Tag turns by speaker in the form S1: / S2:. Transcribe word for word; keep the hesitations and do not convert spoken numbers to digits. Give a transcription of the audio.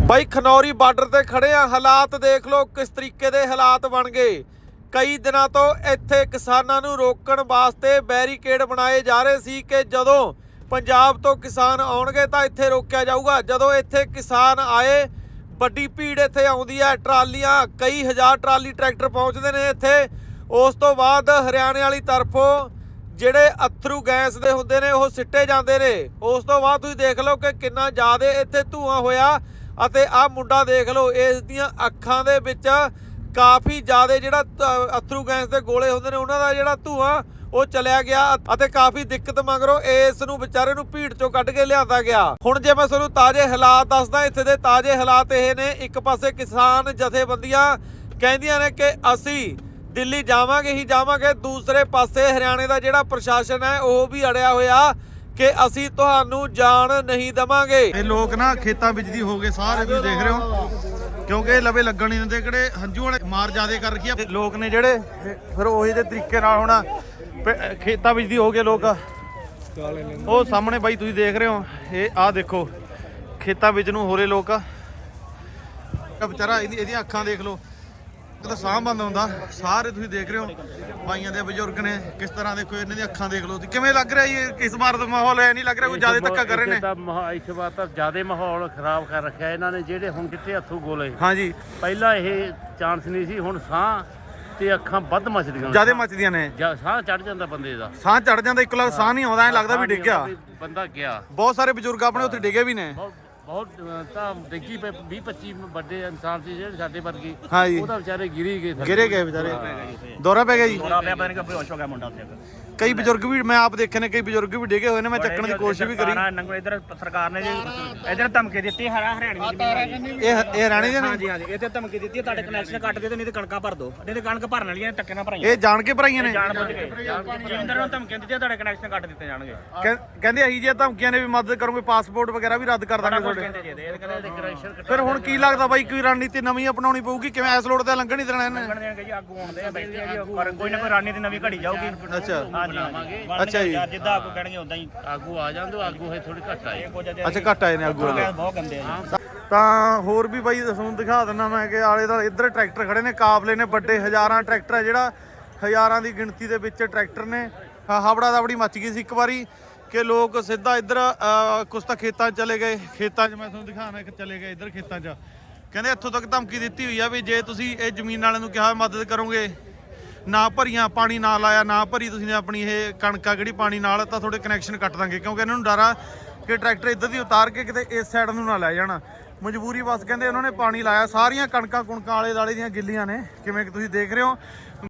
S1: ਬਾਈ Khanauri border ਤੇ ਖੜੇ ਆ, ਹਾਲਾਤ ਦੇਖ ਲਓ ਕਿਸ ਤਰੀਕੇ ਦੇ ਹਾਲਾਤ ਬਣ ਗਏ। ਕਈ ਦਿਨਾਂ ਤੋਂ ਇੱਥੇ ਕਿਸਾਨਾਂ ਨੂੰ ਰੋਕਣ ਵਾਸਤੇ ਬੈਰੀਕੇਡ ਬਣਾਏ ਜਾ ਰਹੇ ਸੀ ਕਿ ਜਦੋਂ ਪੰਜਾਬ ਤੋਂ ਕਿਸਾਨ ਆਉਣਗੇ ਤਾਂ ਇੱਥੇ ਰੋਕਿਆ ਜਾਊਗਾ। ਜਦੋਂ ਇੱਥੇ ਕਿਸਾਨ ਆਏ, ਵੱਡੀ ਭੀੜ ਇੱਥੇ ਆਉਂਦੀ ਹੈ, ਟਰਾਲੀਆਂ ਕਈ ਹਜ਼ਾਰ ਟਰਾਲੀ ਟਰੈਕਟਰ ਪਹੁੰਚਦੇ ਨੇ ਇੱਥੇ। ਉਸ ਤੋਂ ਬਾਅਦ ਹਰਿਆਣੇ ਵਾਲੀ ਤਰਫੋਂ ਜਿਹੜੇ ਅਥਰੂ ਗੈਸ ਦੇ ਹੁੰਦੇ ਨੇ ਉਹ ਸਿੱਟੇ ਜਾਂਦੇ ਨੇ। ਉਸ ਤੋਂ ਬਾਅਦ ਤੁਸੀਂ ਦੇਖ ਲਓ ਕਿ ਕਿੰਨਾ ਜ਼ਿਆਦਾ ਇੱਥੇ ਧੂਆਂ ਹੋਇਆ ਅਤੇ ਆਹ ਮੁੰਡਾ ਦੇਖ ਲਓ, ਇਸ ਦੀਆਂ ਅੱਖਾਂ ਦੇ ਵਿੱਚ ਕਾਫੀ ਜ਼ਿਆਦਾ ਜਿਹੜਾ ਅਥਰੂ ਗੈਸ ਦੇ ਗੋਲੇ ਹੁੰਦੇ ਨੇ ਉਹਨਾਂ ਦਾ ਜਿਹੜਾ ਧੂਆਂ ਉਹ ਚਲਿਆ ਗਿਆ ਅਤੇ ਕਾਫੀ ਦਿੱਕਤ ਮਗਰੋਂ ਇਸ ਨੂੰ ਵਿਚਾਰੇ ਨੂੰ ਭੀੜ ਚੋਂ ਕੱਢ ਕੇ ਲਿਆਂਦਾ ਗਿਆ। ਹੁਣ ਜੇ ਮੈਂ ਤੁਹਾਨੂੰ ਤਾਜ਼ੇ ਹਾਲਾਤ ਦੱਸਦਾ, ਇੱਥੇ ਦੇ ਤਾਜ਼ੇ ਹਾਲਾਤ ਇਹ ਨੇ। ਇੱਕ ਪਾਸੇ ਕਿਸਾਨ ਜਥੇਬੰਦੀਆਂ ਕਹਿੰਦੀਆਂ ਨੇ ਕਿ ਅਸੀਂ ਦਿੱਲੀ ਜਾਵਾਂਗੇ ਹੀ ਜਾਵਾਂਗੇ, ਦੂਸਰੇ ਪਾਸੇ ਹਰਿਆਣੇ ਦਾ ਜਿਹੜਾ ਪ੍ਰਸ਼ਾਸਨ ਹੈ ਉਹ ਵੀ ਅੜਿਆ ਹੋਇਆ ਕਿ ਅਸੀਂ ਤੁਹਾਨੂੰ ਜਾਣ ਨਹੀਂ ਦੇਵਾਂਗੇ।
S2: ਇਹ ਲੋਕ ਨਾ ਖੇਤਾਂ ਵਿੱਚ ਦੀ ਹੋ ਗਏ ਸਾਰੇ, ਤੁਸੀਂ ਦੇਖ ਰਹੇ ਹੋ, ਕਿਉਂਕਿ ਇਹ ਲਵੇ ਲੱਗਣ ਨਹੀਂ ਦਿੰਦੇ। ਕਿਹੜੇ ਹੰਝੂ ਵਾਲੇ ਮਾਰ ਜ਼ਿਆਦੇ ਕਰ ਰੱਖੀ ਆ ਲੋਕ ਨੇ ਜਿਹੜੇ, ਫਿਰ ਉਹੀ ਦੇ ਤਰੀਕੇ ਨਾਲ ਹੁਣ ਖੇਤਾਂ ਵਿੱਚ ਦੀ ਹੋ ਗਏ ਲੋਕ। ਉਹ ਸਾਹਮਣੇ ਬਾਈ ਤੁਸੀਂ ਦੇਖ ਰਹੇ ਹੋ, ਇਹ ਆਹ ਦੇਖੋ ਖੇਤਾਂ ਵਿੱਚ ਨੂੰ ਹੋ ਰਹੇ ਲੋਕ। ਵਿਚਾਰਾ ਇਹਦੀ ਇਹਦੀਆਂ ਅੱਖਾਂ ਦੇਖ ਲਓ, ਤਾਂ ਸਾਹ ਬੰਦ ਹੁੰਦਾ। ਸਾਰੇ ਤੁਸੀਂ ਦੇਖ ਰਹੇ ਹੋ ਬਾਈਆਂ ਦੇ ਬਜ਼ੁਰਗ ਨੇ ਕਿਸ ਤਰ੍ਹਾਂ, ਦੇਖੋ ਇਹਨਾਂ ਦੀਆਂ ਅੱਖਾਂ ਦੇਖ ਲਓ। ਕਿਵੇਂ ਲੱਗ ਰਿਹਾ ਇਹ ਇਸ ਵਾਰ ਦਾ ਮਾਹੌਲ? ਐ ਨਹੀਂ ਲੱਗ ਰਿਹਾ ਕੋਈ ਜ਼ਿਆਦਾ ਧੱਕਾ ਕਰ ਰਹੇ ਨੇ?
S3: ਇਸ ਵਾਰ ਤਾਂ ਜ਼ਿਆਦਾ ਮਾਹੌਲ ਖਰਾਬ ਕਰ ਰੱਖਿਆ ਇਹਨਾਂ ਨੇ, ਜਿਹੜੇ ਹੁਣ ਕਿੱਥੇ ਹੱਥੋਂ ਗੋਲੇ।
S2: ਹਾਂਜੀ,
S3: ਪਹਿਲਾਂ ਇਹ ਚਾਂਸ ਨਹੀਂ ਸੀ, ਹੁਣ ਸਾਹ ਤੇ ਅੱਖਾਂ ਵੱਧ ਮਚਦੀਆਂ,
S2: ਜ਼ਿਆਦਾ ਮੱਚਦੀਆਂ ਨੇ।
S3: ਸਾਹ ਚੜ ਜਾਂਦਾ ਬੰਦੇ ਦਾ,
S2: ਸਾਹ ਚੜ ਜਾਂਦਾ, ਇੱਕ ਲੱਖ ਸਾਹ ਨਹੀਂ ਆਉਂਦਾ, ਐ ਲੱਗਦਾ ਵੀ ਡਿੱਗ ਗਿਆ
S3: ਬੰਦਾ ਗਿਆ।
S2: ਬਹੁਤ ਸਾਰੇ ਬਜ਼ੁਰਗ ਆਪਣੇ ਉੱਥੇ ਡਿੱਗੇ ਵੀ ਨੇ।
S3: ਬਹੁਤ ਤਾਂ ਡਿੱਗੀ ਪਏ, ਵੀਹ ਪੱਚੀ ਵੱਡੇ ਇਨਸਾਨ ਸੀ ਜਿਹੜੇ ਸਾਡੇ ਵਰਗੇ,
S2: ਹਾਂਜੀ,
S3: ਉਹ ਤਾਂ ਵਿਚਾਰੇ ਗਿਰੀ ਗਏ,
S2: ਗਿਰੇ ਗਏ ਵਿਚਾਰੇ। ਦੌਰਾ ਪੈ ਗਿਆ ਜੀ,
S3: ਦੌਰਾ ਪਿਆ, ਪਤਾ ਨਹੀਂ ਬੇਹੋਸ਼ ਹੋ ਗਿਆ ਮੁੰਡਾ ਉੱਥੇ।
S2: ਕਈ ਬਜ਼ੁਰਗ ਵੀ ਮੈਂ ਆਪ ਦੇਖੇ ਨੇ, ਕਈ ਬਜ਼ੁਰਗ ਵੀ ਡਿੱਗੇ ਹੋਏ ਨੇ। ਮੈਂ ਚੱਕਣ ਦੀ ਕੋਸ਼ਿਸ਼ ਵੀ ਕਰੀ।
S4: ਇਧਰ ਸਰਕਾਰ ਨੇ ਜੀ ਇਧਰ ਧਮਕੀ ਦਿੱਤੀ, ਹਰਾ ਹਰਿਆਣੇ ਦੀ
S2: ਇਹ ਇਹ ਹਰਿਆਣੇ ਦੇ ਨੇ?
S4: ਹਾਂਜੀ ਹਾਂਜੀ, ਇੱਥੇ ਧਮਕੀ ਦਿੱਤੀ ਤੁਹਾਡੇ ਕਨੈਕਸ਼ਨ ਕੱਟ ਦਿਓ ਤੇ ਨਹੀਂ ਤੇ ਕਣਕਾਂ ਭਰ ਦਿਓ। ਨਹੀਂ ਤੇ ਕਣਕ ਭਰਨ ਵਾਲੀਆਂ ਟੱਕੇ ਨਾਲ ਭਰਾਈਆਂ।
S2: ਇਹ ਜਾਣ ਕੇ ਭਰਾਈਆਂ ਨੇ?
S4: ਜਾਣ ਬੁੱਝ ਕੇ ਜਿੰਦਰ ਨੂੰ ਧਮਕੀਆਂ ਦਿੱਤੀਆਂ, ਤੁਹਾਡੇ ਕਨੈਕਸ਼ਨ ਕੱਟ ਦਿੱਤੇ ਜਾਣਗੇ।
S2: ਕਹਿ- ਕਹਿੰਦੇ ਅਹੀ ਜਿਹੀਆਂ ਧਮਕੀਆਂ ਨੇ ਵੀ ਮਦਦ ਕਰੋਗੇ, ਪਾਸਪੋਰਟ ਵਗੈਰਾ ਵੀ ਰੱਦ ਕਰ ਦਾਂਗੇ ਤੁਹਾਡੇ।
S4: ਕਹਿੰਦੇ ਜੀ ਇਹ ਕਹਿੰਦੇ ਕਨੈਕਸ਼ਨ ਕੱਟ
S2: ਫਿਰ ਹੁਣ ਕੀ ਲੱਗਦਾ ਬਾਈ, ਕੋਈ ਰਣਨੀਤੀ ਨਵੀਂ ਅਪਣਾਉਣੀ ਪਊਗੀ? ਕਿਵੇਂ ਇਸ ਲੋੜ ਤੇ ਲੰਘਣ ਨਹੀਂ ਦੇਣਾ ਇਹਨੇ?
S4: ਦੇਣਗੇ ਜੀ, ਆਗੂ ਆਉਂਦੇ ਆ, ਬੈਠੇ ਆ ਜੀ, ਪਰ ਕੋਈ ਨਾ ਕੋਈ ਰਣਨੀਤੀ ਨਵੀਂ ਘੜੀ ਜਾਊਗੀ।
S2: ਅੱਛਾ,
S4: ਹਾਂਜੀ,
S2: ਅੱਛਾ ਜੀ।
S4: ਜਿੱਦਾਂ ਆਗੂ ਕਹਿਣਗੇ ਉਦਾਂ ਹੀ
S3: ਆਗੂ ਆ ਜਾਂਦੇ, ਆਗੂ ਹੈ ਥੋੜੀ ਘੱਟ ਆਏ।
S2: ਅੱਛਾ, ਘੱਟ ਆਏ ਨੇ ਆਗੂ ਵਾਲੇ,
S4: ਬਹੁਤ ਗੰਦੇ ਆ ਜੀ।
S2: ਤਾਂ ਹੋਰ ਵੀ ਬਾਈ ਤੁਹਾਨੂੰ ਦਿਖਾ ਦਿੰਦਾ ਮੈਂ ਕਿ ਆਲੇ ਦਾ ਇੱਧਰ ਟਰੈਕਟਰ ਖੜੇ ਨੇ, ਕਾਫਲੇ ਨੇ ਵੱਡੇ, ਹਜ਼ਾਰਾਂ ਟਰੈਕਟਰ ਹੈ, ਜਿਹੜਾ ਹਜ਼ਾਰਾਂ ਦੀ ਗਿਣਤੀ ਦੇ ਵਿੱਚ ਟਰੈਕਟਰ ਨੇ। ਹਬੜਾ ਦਬੜੀ ਮੱਚ ਗਈ ਸੀ ਇੱਕ ਵਾਰੀ ਕਿ ਲੋਕ ਸਿੱਧਾ ਇੱਧਰ ਕੁਛ ਤਾਂ ਖੇਤਾਂ 'ਚ ਚਲੇ ਗਏ। ਖੇਤਾਂ 'ਚ ਮੈਂ ਤੁਹਾਨੂੰ ਦਿਖਾਣਾ ਕਿ ਚਲੇ ਗਏ ਇੱਧਰ ਖੇਤਾਂ 'ਚ। ਕਹਿੰਦੇ ਇੱਥੋਂ ਤੱਕ ਧਮਕੀ ਦਿੱਤੀ ਹੋਈ ਆ ਵੀ ਜੇ ਤੁਸੀਂ ਇਹ ਜ਼ਮੀਨ ਵਾਲਿਆਂ ਨੂੰ ਕਿਹਾ ਮਦਦ ਕਰੋਗੇ, ਨਾ ਭਰੀਆਂ, ਪਾਣੀ ਨਾ ਲਾਇਆ, ਨਾ ਭਰੀ ਤੁਸੀਂ ਨੇ ਆਪਣੀ ਇਹ ਕਣਕਾਂ ਕਿਹੜੀ ਪਾਣੀ ਨਾਲ, ਤਾਂ ਤੁਹਾਡੇ ਕਨੈਕਸ਼ਨ ਕੱਟ ਦਾਂਗੇ। ਕਿਉਂਕਿ ਇਹਨਾਂ ਨੂੰ ਡਰ ਆ ਕਿ ਟਰੈਕਟਰ ਇੱਧਰ ਦੀ ਉਤਾਰ ਕੇ ਕਿਤੇ ਇਸ ਸਾਈਡ ਨੂੰ ਨਾ ਲੈ ਜਾਣਾ। ਮਜਬੂਰੀ ਬਸ ਕਹਿੰਦੇ ਉਹਨਾਂ ਨੇ ਪਾਣੀ ਲਾਇਆ। ਸਾਰੀਆਂ ਕਣਕਾਂ ਕੁਣਕਾਂ ਆਲੇ ਦਾਲੇ ਦੀਆਂ ਗਿੱਲੀਆਂ ਨੇ, ਕਿਵੇਂ ਕਿ ਤੁਸੀਂ ਦੇਖ ਰਹੇ ਹੋ।